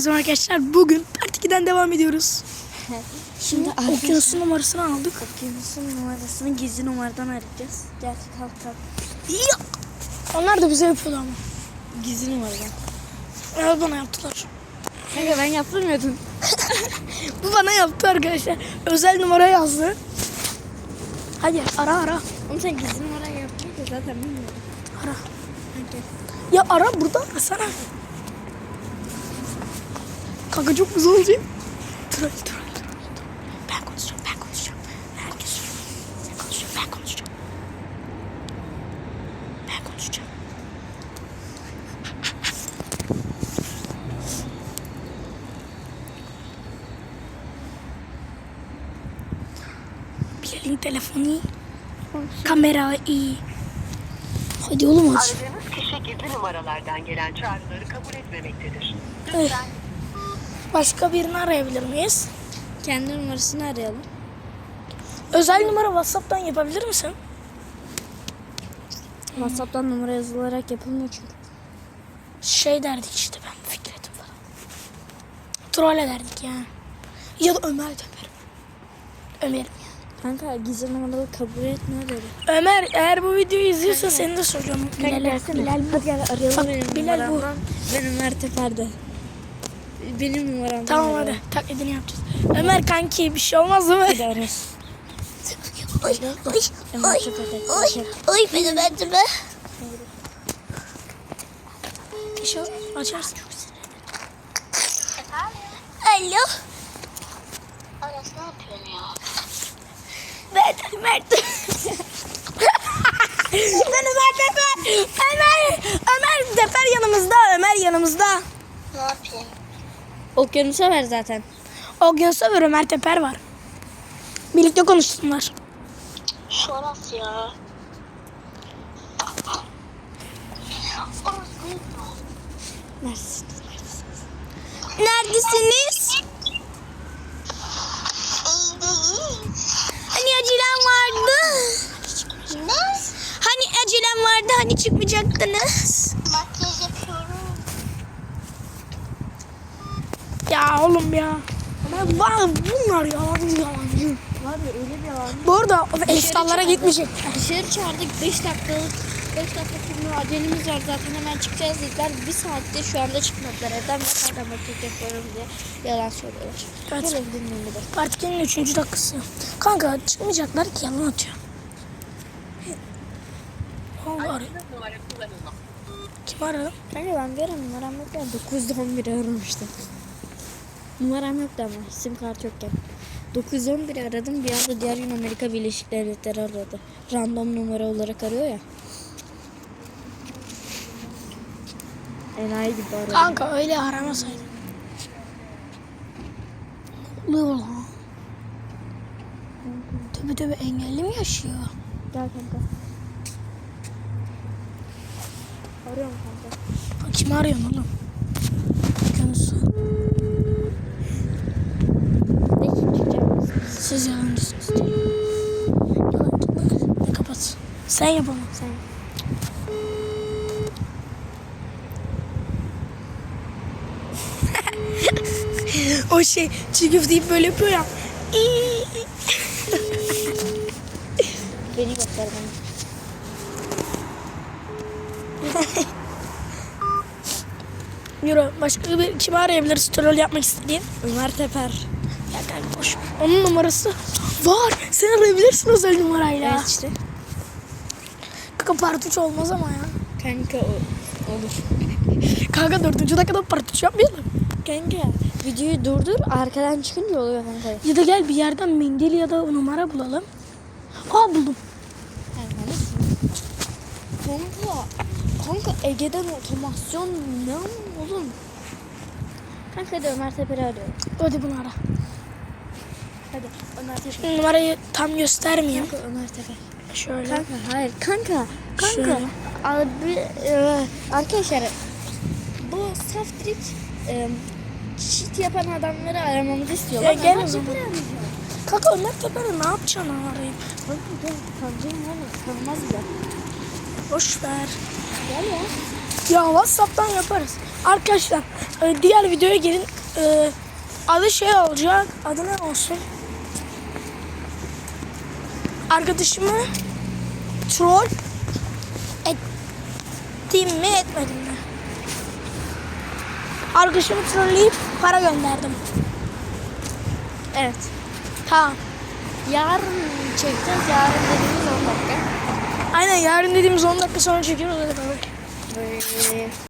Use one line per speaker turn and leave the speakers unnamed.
Herkese arkadaşlar, bugün Part 2'den devam ediyoruz.
Şimdi
Okyanusun numarasını aldık.
Okyanusun numarasını gizli numaradan arayacağız. Gel kalk.
Ya! Onlar da bize yapıyordu ama.
Gizli numaradan.
Evet, bana yaptılar.
Kanka ben yaptırmıyordum.
Bu bana yaptı arkadaşlar. Özel numara yazdı. Hadi ara.
Oğlum sen gizli numarayı yaptın da zaten bilmiyorum.
Ara.
Hadi.
Ya ara, burada arasana. Kanka çok güzel olacak. Troll. Ben konuşacağım. Herkes söylüyor. Ben konuşacağım. Bilal'in telefonu iyi. Kamera iyi. Hadi oğlum aç.
Aradığınız kişi gizli numaralardan gelen çağrıları kabul etmemektedir.
Evet. Başka birini arayabilir miyiz?
Kendi numarasını arayalım.
Özel numara WhatsApp'tan yapabilir misin?
WhatsApp'tan numara yazılarak yapılmıyor çünkü.
Şey derdik işte, ben Fikret'im falan. Troll ederdik yani. Ya da Ömer derim. Ömer'im yani.
Kanka gizli numaralı kabul etmiyor dedi.
Ömer, eğer bu videoyu izliyorsa seni de soracağım. Bilal bu.
Hadi gel arayalım
Bak,
benim
Bilal bu.
numaramdan. Ben Ömer Teper'de. Benim numaramdan.
Tamam hadi, taklidini yapacağız. Ömer kanki, bir şey olmaz değil mi?
Hadi arıyoruz.
Oy beni verdi be. Bir şey açarsın. Alo.
Aras ne yapıyorsun ya?
Mert. Ben Ömer Teper. Ömer Teper yanımızda.
Ne yapayım?
Okyanusa ver zaten.
Okyanusa ver, Ömer Teper var. Birlikte konuşsunlar.
Şu Aras ya. Aras değil mi?
Neredesin?
Neredesiniz?
İyi değil.
Hani acelem vardı.
Ne?
Hani acelem vardı, hani çıkmayacaktınız.
Makyaj yapıyorum.
Ya oğlum ya. Ama bunlar yalancı.
Var ya öyle bir yalan.
Bu arada Estallara gitmeyecek.
Dışarı çağırdık 5 dakika sonra acelemiz var zaten hemen çıkacağız dediler. Bir saatte şu anda çıkmadılar. Evden makarna makyaj yapıyorum diye yalan söylüyorlar.
Evet.
Böyle bir dinleyin bir de.
Part 2'nin 3. dakikası. Kanka çıkmayacaklar ki, yalan atıyor. Allah arıyor.
Numara kullanılmaz.
Kim aradı?
Kanka ben bir ara numaram yok ya. 911 aramıştım. Numaram yoktu ama sim kart yokken. 911 aradım, bir anda diğer gün Amerika Birleşik Devletleri aradı. Random numara olarak arıyor ya. Enayi gibi aradı.
Kanka öyle aramasaydın. Ne oluyor lan? Tövbe engelli mi yaşıyor?
Gel kanka. Arıyorum kanka.
Kim arıyorsun oğlum? Okyanusu.
Ne kim çıkacak?
Siz yalancısınız diyor. Yalancılar. Ne kapat. Sen yap ama.
Sen.
O şey çiğ köfte deyip böyle yapıyor ya.
Beni göster bana.
Yürü, başka bir kim arayabiliriz troll yapmak istediğin?
Ömer Teper.
Ya kanka boş ver. Onun numarası var. Sen arayabilirsin özel numarayla.
Evet işte.
Kanka part 3 olmaz ama ya.
Kanka olur.
Kanka 4. dakikada part 3 yapmayalım.
Kanka videoyu durdur, arkadan çıkınca oluyor kanka.
Ya da gel bir yerden mendil ya da numara bulalım. Aa, buldum.
Kanka Ege'den otomasyon ne oğlum? Kanka de Ömer Teper'i arıyorum.
Hadi bunu ara.
Hadi Ömer Teper.
Şimdi numarayı tam göstermeyeyim.
Kanka Ömer Teper.
Şöyle.
Kanka hayır kanka.
Şöyle.
Abi, arkadaşlar bu saftirik cheat yapan adamları aramamızı istiyorlar.
Ya gel
Ömer
o zaman.
Teper'i arayacağım.
Kanka Ömer Teper'i ne yapacaksın arayıp?
Kanka gel tanıdığım var mı? Tanımaz bile.
Boş ver.
Gel ya.
Ya WhatsApp'tan yaparız. Arkadaşlar diğer videoya gelin. Adı şey olacak. Adı ne olsun? Arkadaşımı troll ettim mi etmedim mi? Arkadaşımı trolleyip para gönderdim.
Evet.
Tamam.
Yarın çekeceğiz. Yarın dediğimiz 10 dakika.
Aynen yarın dediğimiz 10 dakika sonra çekiyoruz. Hadi bakalım.
Böyle